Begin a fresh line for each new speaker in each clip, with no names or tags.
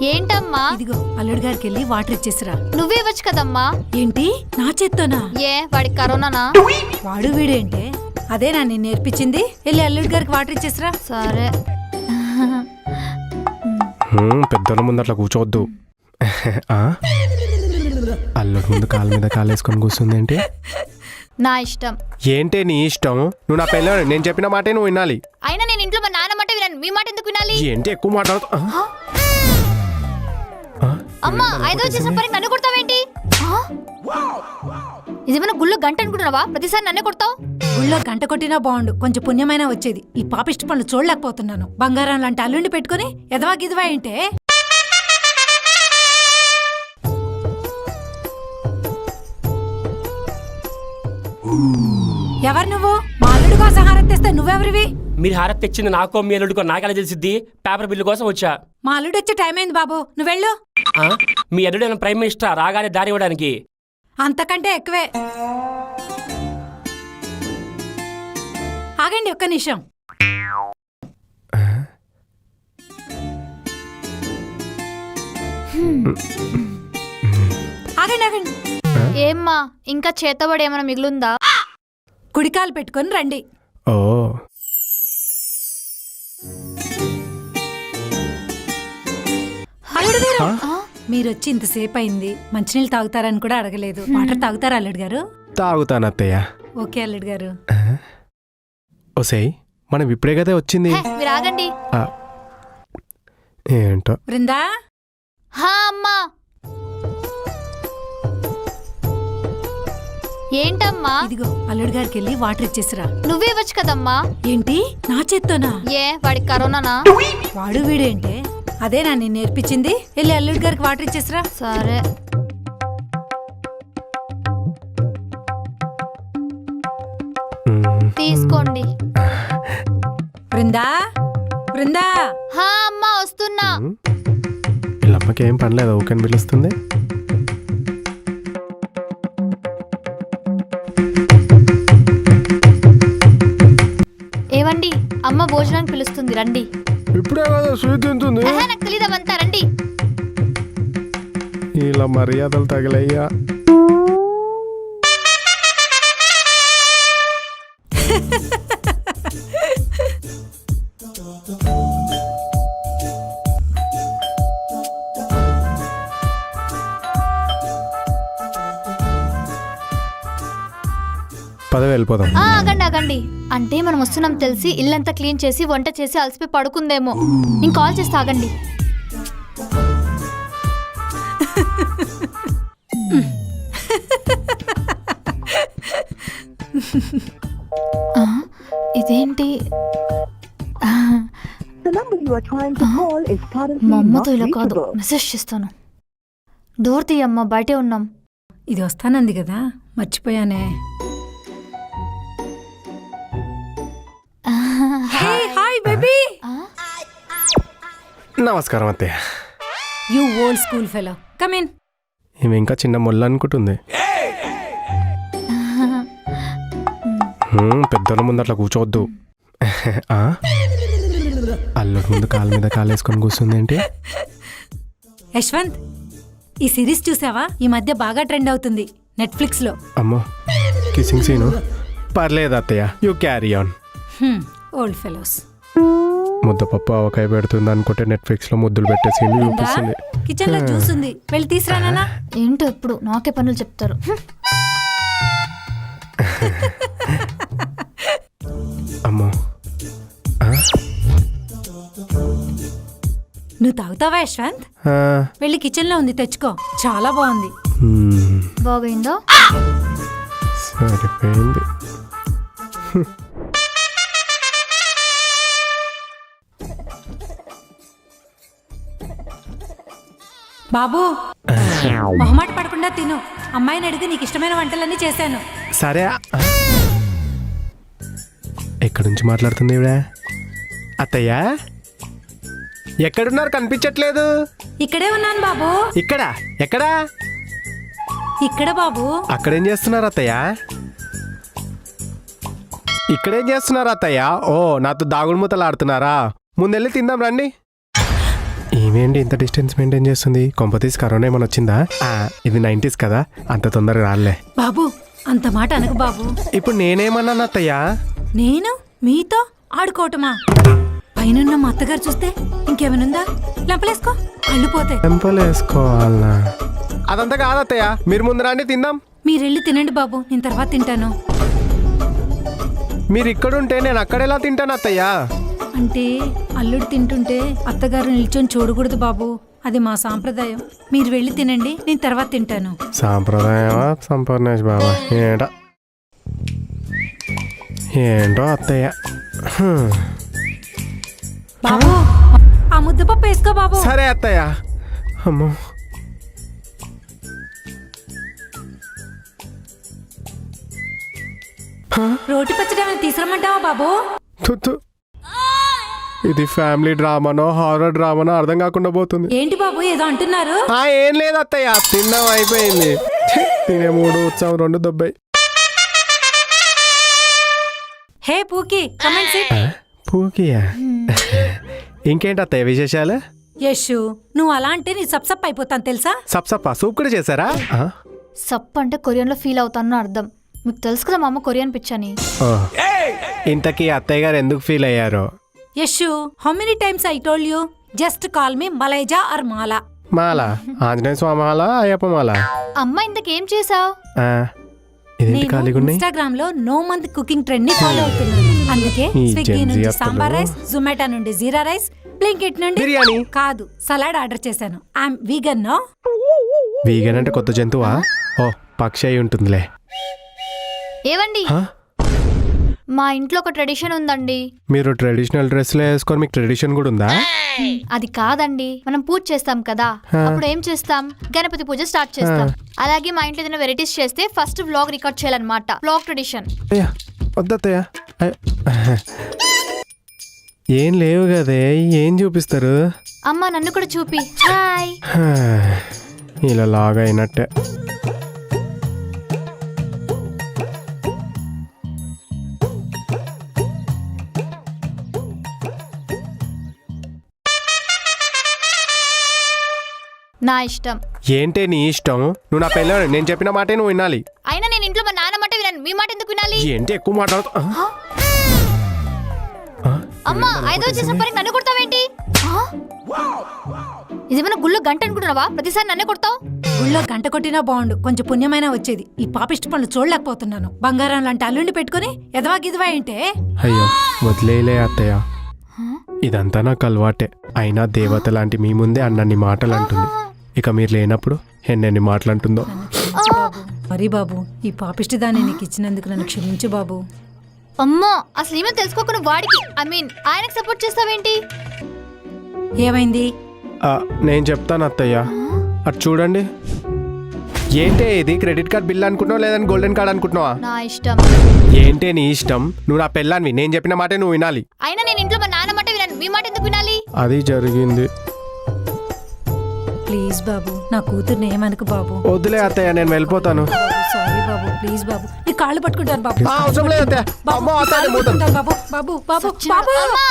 ఏంటమ్మా?
ఇదిగో అల్లుడి గారికి వెళ్ళి వాటర్ ఇచ్చేసిరా.
నువ్వే ఇవ్వచ్చు కదమ్మా.
ఏంటి నా చేత్తోనా?
ఏ వాడికి కరోనానా?
వాడు వీడేంటే? అదేనా నేను నేర్పించింది. వెళ్ళి అల్లుడి గారికి వాటర్ ఇచ్చేసిరా.
సరే.
పెద్దల ముందు అట్లా కూర్చోవద్దు. అల్లుడు ముందు కాలు మీద కాలేసుకొని కూర్చుంది ఏంటి?
నా ఇష్టం.
ఏంటి నీ ఇష్టం? నువ్వు నా పెళ్ళ, నేను చెప్పిన మాటే నువ్వు వినాలి.
అయినా నేను ఇంట్లో మా నాన్న మాట వినాను, మీ మాట ఎందుకు వినాలి?
ఏంటి ఎక్కువ మాట్లాడుతూ?
అమ్మా, ఐదో చేసిన పని నన్ను కొడతావేంటి? ఇదేమైనా గుళ్ళో గంట అనుకుంటున్నావా? ప్రతిసారి నన్నే కొడతావు.
గుళ్ళో గంట కొట్టినా బాగుండు, కొంచెం పుణ్యమైనా వచ్చేది. ఈ పాపిష్టి పనులు చూడలేకపోతున్నాను. బంగారం లాంటి అల్లుండి పెట్టుకుని ఎదవా గిదవా ఏంటే? ఎవరు నువ్వు? మా అల్లుడి కోసం హారతి తెస్తే నువ్వెవరివి?
మీరు హారతి తెచ్చింది నాకో మీ అల్లుడికో నాకెలా తెలిసిద్ది? పేపర్ బిల్లు కోసం వచ్చా.
మా అల్లుడు వచ్చే టైం అయింది బాబు, నువ్వెళ్ళు.
మీ అల్లుడైన ప్రైమ్ మినిస్టర్ రాగానే దారి ఇవ్వడానికి?
అంతకంటే ఎక్కువే. ఆగండి ఒక్క నిమిషం. ఆగండి ఆగండి.
ఏమ్మా, ఇంకా చేతబడి ఏమైనా మిగులుందా?
కుడికాలు పెట్టుకొని రండి.
ఓ
అల్లుడు గారు, మీరొచ్చి ఇంతసేపు అయింది, మంచినీళ్ళు తాగుతారని కూడా అడగలేదు. వాటర్ తాగుతారా అల్లుడు గారు?
తాగుతాను అత్తయ్య.
ఓకే అల్లుడు గారు.
ఓసేయ్, మనం ఇప్పుడే కదా వచ్చింది.
మీరు ఆగండి.
ఏంటో.
బృందా.
హా అమ్మా. ఏంటమ్మా?
ఇదిగో అల్లుడి గారికి వెళ్ళి వాటర్ ఇచ్చేసిరా.
నువ్వే ఇవ్వచ్చు కదమ్మా.
ఏంటి నా చేత్తోనా?
ఏ వాడికి కరోనానా?
వాడు వీడేంటే? అదేనా నేను నేర్పించింది. వెళ్ళి అల్లుడి గారికి వాటర్ ఇచ్చేసిరా.
సరే. తీసుకోండి.
బృందా బృందా.
హా అమ్మా, వస్తున్నా.
వీళ్ళమ్మకి ఏం పనిలేదు, ఊకని పిలుస్తుంది.
ఏవండి, అమ్మ భోజనానికి పిలుస్తుంది, రండి.
ఇప్పుడే కదా స్వీట్ తింటుంది.
నాకు తెలీదవంతా, రండి.
ఇలా మర్యాదలు తగిలయ్యా. పదవి వెళ్ళిపోదాం.
ఆగండి ఆగండి. అంటే మనం వస్తున్నాం తెలిసి ఇల్లంతా క్లీన్ చేసి వంట చేసి అలసిపోయి పడుకుందేమో. నేను కాల్ చేసి ఆగండి. ఇదేంటి? మా అమ్మతో ఇలా కాదు, మెసేజ్ చేస్తాను. డోర్ తీయమ్మా, బయటే ఉన్నాం.
ఇది వస్తానంది కదా, మర్చిపోయానే. Hi baby.
నమస్కారం అత్తయ్య.
You old school fellow, come in.
ఈమె ఇంకా చిన్న మొల్ల అనుకుంటుంది. పెద్దల ముందు అట్లా కూర్చోవద్దు. అల్లుడు ముందు కాలు మీద కాలేసుకొని కూర్చుంది ఏంటి?
యశ్వంత్, ఈ సిరీస్ చూసావా? ఈ మధ్య బాగా ట్రెండ్ అవుతుంది నెట్ఫ్లిక్స్ లో.
అమ్మో, కిసింగ్ సీను. పర్లేదు అత్తయ్య, you carry on.
Old fellows.
ముద్దపప్పు ఆవకాయ పెడుతుంది అనుకుంటే నెట్ఫ్లిక్స్ లో ముద్దులు పెట్టే సీన్ చూపిస్తుంది.
కిచెన్ లో జ్యూస్ ఉంది, వెళ్ళి తీసుకురానా?
ఏంటో ఎప్పుడు నాకే పనులు చెప్తారు.
అమ్మో,
నువ్వు తాగుతావా యశ్వంత్? వెళ్ళి కిచెన్ లో ఉంది, తెచ్చుకో. చాలా బాగుంది.
బాగైందో?
సరిపోయింది.
బాబు, మొహమాట పడకుండా తిను. అమ్మాయిని అడిగి నీకు ఇష్టమైన వంటలన్నీ చేశాను.
సరే. ఎక్కడి నుంచి మాట్లాడుతుంది ఇవిడ? అత్తయ్య, ఎక్కడున్నారు? కనిపించట్లేదు.
ఇక్కడే ఉన్నాను బాబు.
ఇక్కడ? ఎక్కడా?
ఇక్కడ బాబు.
అక్కడేం చేస్తున్నారు అత్తయ్య? ఇక్కడేం చేస్తున్నారు అత్తయ్య? ఓ, నాతో దాగుడు మూతలు ఆడుతున్నారా? ముందెళ్ళి తిందాం రండి. ఏమేంటి ఇంత డిస్టెన్స్ మెయింటైన్ చేస్తుంది? కొంపతీసి కరోనా ఏమైనా వచ్చిందా? ఇది 90s కదా, అంత తొందరగా రాలే.
బాబు అంత మాట అనకు బాబు.
ఇప్పుడు నేనేమన్నాను అత్తయ్య?
నేను మీతో ఆడుకోవటమా? పైనున్న మా అత్తగారు చూస్తే ఇంకేమనుందా? లెంపలేసుకో, కళ్ళు పోతే.
టెంపలేసుకోవాలనా? అదంతా కాదు అత్తయ్య, మీరు ముందు రండి తిందాం.
మీరెళ్ళి తినండి బాబు, నేను తర్వాత తింటాను.
మీరు ఇక్కడుంటే నేను అక్కడెలా తింటాను అత్తయ్య?
అంటే అల్లుడు తింటుంటే అత్తగారు నిల్చొని చూడకూడదు బాబు, అది మా సాంప్రదాయం. మీరు వెళ్ళి తినండి, నేను తర్వాత తింటాను.
సాంప్రదాయమా సంపూర్ణేష్ బాబా? ఏంటో అత్తయ్య.
బాబు ఆ ముద్దపప్పు వేసుకో బాబు.
సరే అత్తయ్య. అమ్మో,
రోటి పచ్చడి ఏమైనా తీసుకురమ్మంటావా బాబు?
తుత్తు. ఇది ఫ్యామిలీ డ్రామానో హారర్ డ్రామానో అర్థం కాకుండా పోతుంది.
ఏంటి బాబు ఏదో అంటున్నారు?
ఏం లేదు అత్తయ్య, తిన్నాం అయిపోయింది. తినే 3 ఉత్సవం 2 దొబ్బాయి.
హే పూకి, కమెంట్ సిట్.
పూకియా? ఇంకేంటి అత్తయ్య విశేషాలు?
యశు, నువ్వు అలా అంటే నీ సప్సప్ అయిపోతాను తెలుసా?
సప్సప్ప సూప్ కూడా చేశారా?
సప్ అంటే కొరియన్లో ఫీల్ అవుతాను అర్థం. మీకు తెలుసు కదా మా అమ్మ కొరియన్ పిచ్చని.
ఇంతకీ అత్తయ్య గారు ఎందుకు ఫీల్ అయ్యారో?
Yashu, how many times I told you just call me Malaija or Mala?
మాల ఆంజనేయ స్వామి మాల, అయ్యప్ప మాల.
అమ్మ ఇంతకేం చేసావు?
ఇదేంటి ఖాళీగా ఉన్నాయి?
ఇన్స్టాగ్రామ్ లో నో మంత్ కుకింగ్ ట్రెండ్ ని ఫాలో అవుతున్నాను. అందుకే
ఈ
స్విగ్గీ
Gen Z
నుంచి
అసలు.
సాంబార్ రైస్, జొమాటో నుండి జీరా రైస్, బ్లింకిట్ నుండి
బిర్యానీ.
కాదు సలాడ్ ఆర్డర్ చేశాను. I'm vegan no.
వీగన్ అంటే కొత్త జంతువా? ఓ, పక్షి అయి ఉంటుందిలే.
ఏవండి, మా ఇంట్లో ఒక ట్రెడిషన్ ఉందండి.
మీరు ట్రెడిషనల్ డ్రెస్లు వేసుకొని మీకు ట్రెడిషన్ కూడా ఉందా?
అది కాదండి, మనం పూజ చేస్తాం కదా, అప్పుడు ఏం చేస్తాం? గణపతి పూజ స్టార్ట్ చేస్తాం. అలాగే మా ఇంట్లో ఏదైనా వెరైటీస్ చేస్తే ఫస్ట్ వ్లాగ్ రికార్డ్ చేయాలన్నమాట. Vlog tradition.
అయ్యా వద్దత్తయ్య. ఏం లేవు కదే, ఏం చూపిస్తారు?
అమ్మ నన్ను కూడా చూపి. హాయ్.
ఇలా లాగా అయినట్టే.
నా ఇష్టం.
ఏంటే నీ ఇష్టం? నువ్వు నా పెళ్ళి, నేను చెప్పిన మాటే నువ్వు వినాలి.
అయినా నేను ఇంట్లో మా నాన్న మాట వినాను, మీ మాట ఎందుకు వినాలి?
ఏంటి ఎక్కువ మాట్లాడుతా?
అమ్మా, 5వ చేసిన పని నన్ను కొడతావేంటి? ఇదేమైనా గుళ్ళో గంట అనుకుంటున్నావా? ప్రతిసారి నన్నే కొడతావు.
గుళ్ళో గంట కొట్టినా బాగుండు, కొంచెం పుణ్యమైనా వచ్చేది. ఈ పాపిష్టి పనులు చూడలేకపోతున్నాను. బంగారం లాంటి అల్లుండి పెట్టుకుని ఎదవా గిదవా ఏంటే?
అయ్యో వదిలేలే అత్తయ్య, ఇదంతా నాకు అలవాటే. అయినా దేవత లాంటి మీ ముందే అన్నన్ని మాటలు అంటుంది. ఇక మీరు లేనప్పుడు ఎన్నెన్ని మాటలు అంటుందో.
మరి బాబు, ఈ పాపిష్టి దాన్ని నీకు ఇచ్చినందుకు నన్ను క్షమించు బాబు.
అమ్మో, అసలు ఏమో తెలుసుకోకుండా వాడికి ఆయనకు సపోర్ట్ చేస్తావేంటి?
ఏమైంది?
నేను చెప్తాను అత్తయ్య, అటు చూడండి. ఏంటే ఇది? క్రెడిట్ కార్డ్ బిల్ అనుకుంటున్నావు లేదని గోల్డెన్ కార్డ్ అనుకుంటున్నావా?
నా ఇష్టం.
ఏంటే నీ ఇష్టం? నువ్వు నా పెళ్ళాన్వి, నేను చెప్పిన మాటే నువ్వు వినాలి.
అయినా నేను ఇంట్లో మా నాన్న మాట వినాను, మీ మాట ఎందుకు వినాలి?
అది జరిగింది.
ప్లీజ్ బాబు, నా కూతుర్ని ఏమనుకు బాబు.
వద్దులే అత్తయ్య, నేను వెళ్ళిపోతాను.
సారీ బాబు, ప్లీజ్ బాబు, నీ కాళ్ళు పట్టుకుంటాను బాబు.
అవసరం లేదు అత్తయ్య. అమ్మో, అత్తయ్య, నేను పోతాను.
పట్టుకుంటాను బాబు. బాబు బాబు బాబు.
అమ్మా,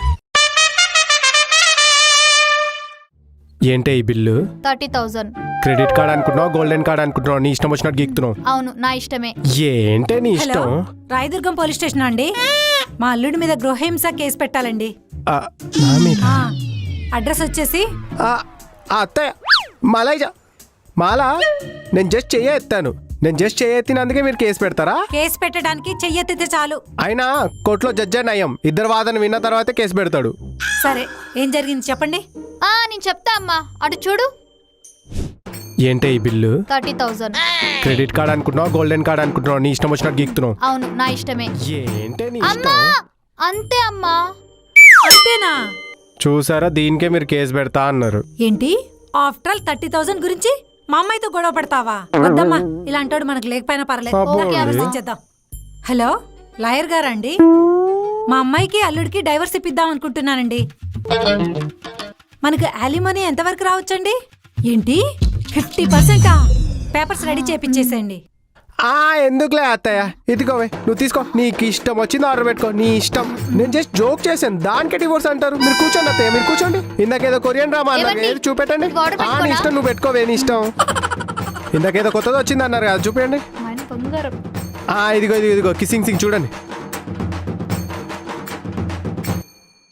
ఏంటే ఈ బిల్లు?
30,000.
క్రెడిట్ కార్డ్ అనుకుంటున్నావు గోల్డెన్ కార్డ్ అనుకుంటున్నావు? నీ ఇష్టం వచ్చినట్టు గీక్తున్నావు.
అవును, నా ఇష్టమే.
ఏంటే నీ
హలో,
ఇష్టం?
రాయదుర్గం పోలీస్ స్టేషన్ అండి. మా అల్లుడి మీద గృహహింస కేసు పెట్టాలండి.
నా మీద?
అడ్రస్ వచ్చేసి
అత్తయ్య మాలయ్య మాల, నేను జస్ట్ ఎత్తాను. నేను జస్ట్ ఎత్తినందుకే మీరు కేసు పెడతారా?
కేసు పెట్టడానికి చెయ్యెత్తితే చాలు.
అయినా కోర్టులో జడ్జి నయం, ఇద్దరు వాదన విన్న తర్వాతే కేసు పెడతాడు.
సరే, ఏం జరిగింది చెప్పండి.
నేను చెప్తా అమ్మా, అటు చూడు.
ఏంటే ఈ బిల్లు?
30,000.
క్రెడిట్ కార్డ్ అనుకుంటున్నావు గోల్డెన్ కార్డ్ అనుకుంటున్నావు? నీ ఇష్టం వచ్చినట్టు గీక్తున్నావు.
అవును, నా ఇష్టమే.
ఏంటే నీ
అమ్మా,
ఇష్టం?
అంతే అమ్మా.
అంతేనా?
చూసారా, దీనికే మీరు కేసు పెడతా అన్నారు.
ఏంటి? ఆఫ్టర్ ఆల్ 30,000 గురించి మా అమ్మాయితో గొడవ పడతావా? వద్దమ్మా, ఇలాంటోడు మనకు లేకపోయినా పర్లేదు.
అబ్బో.
ఓకే, ఆలోచించేద్దాం. హలో, లాయర్ గారా అండి? మా అమ్మాయికి అల్లుడికి డైవర్స్ ఇప్పిద్దాం అనుకుంటున్నానండి. మనకు యాలిమనీ ఎంతవరకు రావచ్చండి? ఏంటి 50%? పేపర్స్ రెడీ చేపించేసేయండి.
ఎందుకులే అత్తయ్య, ఇదిగోవే నువ్వు తీసుకో, నీకు ఇష్టం వచ్చింది ఆర్డర్ పెట్టుకో, నీ ఇష్టం. నేను జస్ట్ జోక్ చేశాను, దానికే డివోర్స్ అంటారు. మీరు కూర్చోండి అత్తయ్య, మీరు కూర్చోండి. ఇందాకేదో కొరియన్ డ్రామా అన్నారు,
ఏమండి?
ఏది చూపెట్టండి.
ఇది order
నీ
పెట్టుకోనా?
ఇష్టం, నువ్వు పెట్టుకోవే, నీ ఇష్టం. ఇందాకేదో కొత్తది వచ్చింది అన్నారు కదా, చూపించండి.
మా ఆయన బంగారం.
ఇదిగో ఇదిగో కిసింగ్ సింగ్ చూడండి.